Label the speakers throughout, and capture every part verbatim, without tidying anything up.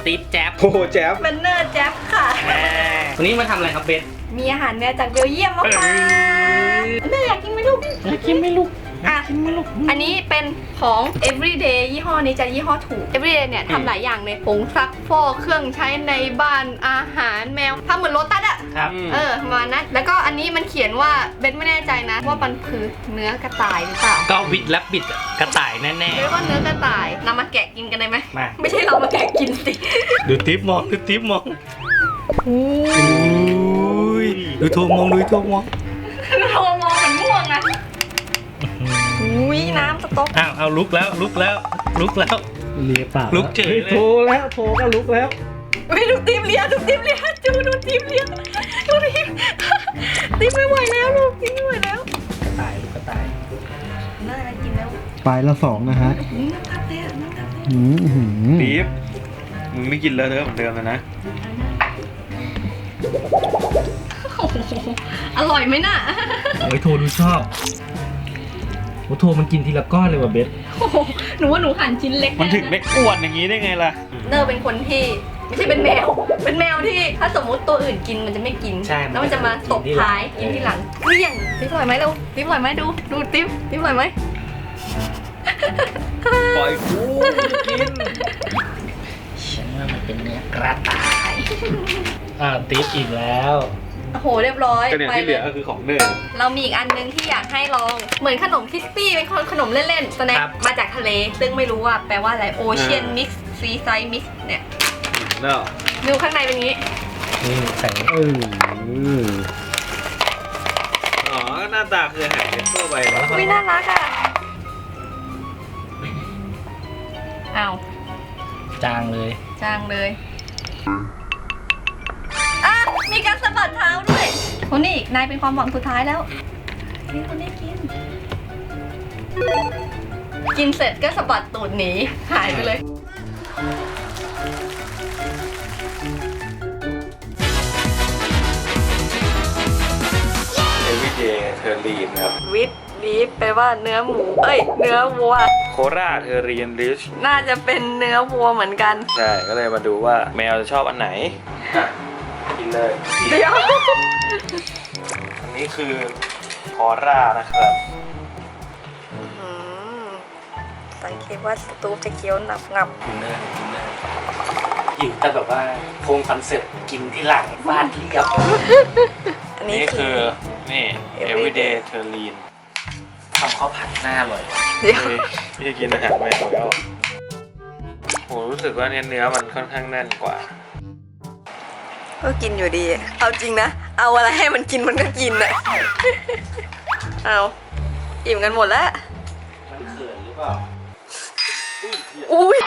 Speaker 1: ตีฟแจ๊บ
Speaker 2: โอ้โหแจ๊บ
Speaker 3: เบนเนอร์แจ๊บค่ะ
Speaker 1: วันนี้มาทำอะไรครับเบน
Speaker 3: มีอาหารแมวจากเบลเยียมมาฝากแม่อยากกินไหมลูก
Speaker 1: อยากกินไหมลูก
Speaker 3: อ่ะอันนี้เป็นของ everyday ยี่ห้อนี้จะยี่ห้อถูก everyday เนี่ยทำหลายอย่างเลยผงซักฟอกเครื่องใช้ในบ้านอาหารแมวทำเหมือนโลตัสอะ
Speaker 1: ครับ
Speaker 3: เออประมาณนั้นแล้วก็อันนี้มันเขียนว่าเบนไม่แน่ใจนะว่ามันคือเนื้อกระต่ายหรือเปล่า
Speaker 1: ก็วิดและบิดกระต่ายแน่
Speaker 3: หรือว่าเนื้อกระต่ายนำมาแกะกินกันได้ไหม
Speaker 1: มา
Speaker 3: ไม่ใช่เรามาแกะกินสิ
Speaker 1: ๆดูทิปมองดูทิปมองอุ้ยดูโทรมองดูโทรมอง
Speaker 3: เรามองเหมือนม่วงนะอุ้ยน้ำสต๊อก
Speaker 1: อ้าวเอาลุกแล้วลุกแล้วลุกแล้ว
Speaker 2: เลียปาก
Speaker 1: ลุกเฉยเลย
Speaker 2: โทรแล้วโทรก็ลุกแล้ว
Speaker 3: อุ้ยดูทีมเลี้ยดูทีมเลี้ยจูดูทีมเลี้ยดูทีมทีมไม่ไหวแล้วลูกทีมไม่ไหวแล้ว
Speaker 1: กระต่ายกระต่าย
Speaker 3: น่าจะกินแล้ว
Speaker 2: ไปละสองนะฮะ
Speaker 3: น้ำทับเลยน้ำทับเลย
Speaker 2: อืมหืม
Speaker 4: ปี๊บมึงไม่กินเลอะเทอะเหมือนเดิมแล้วนะ
Speaker 3: อร่อยไหมน่ะ
Speaker 1: โอ้ยโทรดูชอบโอ้โทรมันกินทีละก้อนเลยว่ะเบส
Speaker 3: หนูว่าหนูหั่นชิ้นเล็ก
Speaker 4: มันถึงได้อ้วนอย่างนี้ได้ไงล่ะ
Speaker 3: เนอร์เป็นคนที่ไม่ใช่เป็นแมว เป็นแมวที่ถ้าสมมุติตัวอื่นกินมันจะไม่กิน
Speaker 1: ใช่
Speaker 3: แล้วมันจะมาตบท้ายกินที่หลังเกลี้ยงติ๊บอร่อยไหมเร็วติ๊บอร่อยไหมดูดูติ๊บติ๊บอร่อยไหม
Speaker 4: ปล่อยกูกิน
Speaker 1: ฉันว่ามันเป็นเนื้อกระต่ายอ่าติปอีกแล้ว
Speaker 3: โอ้โหเรียบร้อย
Speaker 4: ก็เนี่ย
Speaker 3: ไป
Speaker 4: ที่เห
Speaker 3: เล
Speaker 4: ลื
Speaker 3: ย
Speaker 4: อก็คือของเนย
Speaker 3: เรามีอีกอันนึงที่อยากให้ลองเหมือนขนมคริสปี้เป็นขนมเล่นๆสแน็คมาจากทะเล ซึ่งไม่รู้ว่าแปลว่าอะไรโอเชียนมิกซ์ซีไซด์มิกซ์เนี่ย
Speaker 4: เนาะ
Speaker 3: ดูข้างในเป็นงี้
Speaker 1: นี่ใส่
Speaker 2: เออ
Speaker 4: อ๋อหน้าตาคืออาหารทั่วไปแล้ว
Speaker 3: อุ้ยน่ารักอ่ะอ้าว
Speaker 1: จางเลย
Speaker 3: จางเลยอ่ะมีการสะบัดเท้าด้วยคนนี้นายเป็นความหวังสุดท้ายแล้วกินคนนี้กิน กินเสร็จก็สะบัดตูดหนีหายไปเลย
Speaker 4: เอวิเดย์เทอร์ลีนครับ
Speaker 3: วิทบีฟแปลว่าเนื้อหมู เอ้ย เนื้อวัว
Speaker 4: โคราเทอร์รีนริช
Speaker 3: น่าจะเป็นเนื้อวัวเหมือนกัน
Speaker 4: ใช่ก็เลยมาดูว่าแมวจะชอบอันไหนอ่ะกินเลย
Speaker 3: เดี๋ยว
Speaker 4: อันนี้คือคอร่านะครับ
Speaker 3: สังเกตว่าสตูปจะเคี้ยวหนับงับ
Speaker 1: กินเลยกินเลยหิวแต่แบบว่าโครงคอนเซ็ปต์กินที่หลังฟาดเรียบ
Speaker 3: อันนี้
Speaker 4: นี่
Speaker 3: คื
Speaker 4: คือ อนี่ everyday t e r r i n
Speaker 1: ทำข้าวผัดหน้าอร่อย
Speaker 3: เดี๋ยว
Speaker 4: พี่จะกินอาหารแมวแล้วโหรู้สึกว่าเนื้อเนื้อมันค่อนข้างแน่นกว่า
Speaker 3: ก็กินอยู่ดี เอาจริงนะ เอาอะไรให้มันกินมันก็กินอะ เอาอิ่มกันหมดแล้ว
Speaker 1: มันเขินหรือเปล่า
Speaker 3: อุ้ย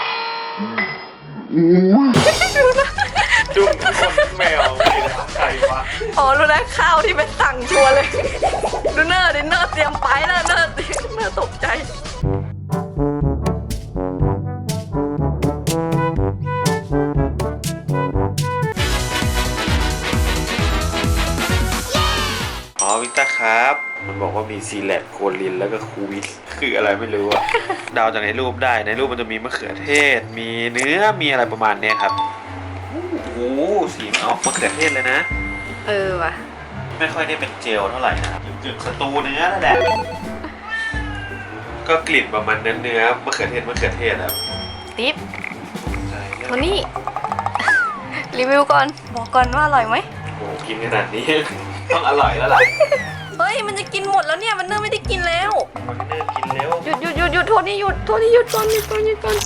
Speaker 4: จุ่มคนแมวใครวะ
Speaker 3: อ๋อรู้แล้วข้าวที่เป็นสั่งชัวร์เลย ดูเนอร์ดิเนอร์เตรียมไปแล้วเนอร์เนอร์ตกใจ
Speaker 4: อ๋อวิต้าครับ มันบอกว่ามีซีแลตโคลินแล้วก็คูวิสคืออะไรไม่รู้อะเดาจากในรูปได้ในรูปมันจะมีมะเขือเทศ มีเนื้อมีอะไรประมาณเนี้ยครับโอ้โหสีมันออกมะเขือเทศเลยนะ
Speaker 3: เออว่ะ
Speaker 4: ไม่ค่อยได้เป็นเจลเท่าไหร่นะครับกึ่งๆสตูเนื้อนั่นแหละก็กลิ่นประมาณเนื้อเนื้อมะเขือเทศมะเขือเทศครับ
Speaker 3: ติ๊บ
Speaker 4: ใช่
Speaker 3: โทนี่ รีวิวก่อน บอกก่อนว่าอร่อยไหม
Speaker 4: โอ้โหกินขนาดนี้ ต้องอร่อยแล้วล่ะ
Speaker 3: เฮ้ย มันจะกินหมดแล้วเนี่ย มันเนอร์ไม่ได้กินแล้ว
Speaker 4: มันเริ่มกินแล้ว
Speaker 3: หยุดหยุดหยุดหยุดโทนี่หยุดโทนี่หยุดก่อนหยุดก่อนหยุดก่อน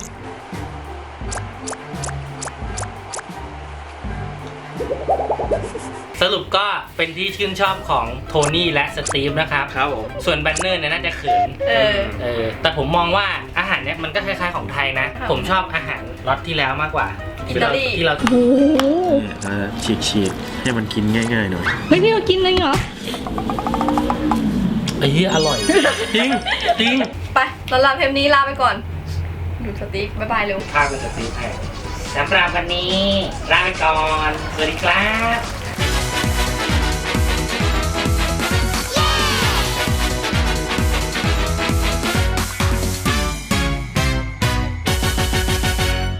Speaker 1: สรุปก็เป็นที่ชื่นชอบของโทนี่และสตีฟนะครับ
Speaker 4: ครับผม
Speaker 1: ส่วนแบนเนอร์เนี่ยน่าจะเขิน
Speaker 3: เออ
Speaker 1: เออแต่ผมมองว่าอาหารเนี่ยมันก็คล้ายๆของไทยนะ
Speaker 3: ค่ะ
Speaker 1: ผมชอบอาหารรสที่แล้วมากกว่า
Speaker 3: อิตาลี
Speaker 1: ที่เรา
Speaker 3: โอ้โห
Speaker 4: ฉีกฉีดให้มันกินง่ายๆหน่อย
Speaker 3: เฮ้ยพี่เรากินเลยเหรอ
Speaker 1: ไอ้เหี้ยอร่อย จริงจริง
Speaker 3: ไปสำหรับเทปนี้ลาไปก่อน ดูสติ๊กบ๊ายบายเร็ว
Speaker 1: ภาพเป็นสตีฟให้สำหรับวันนี้ลาไปก่อน สวัสดีครับ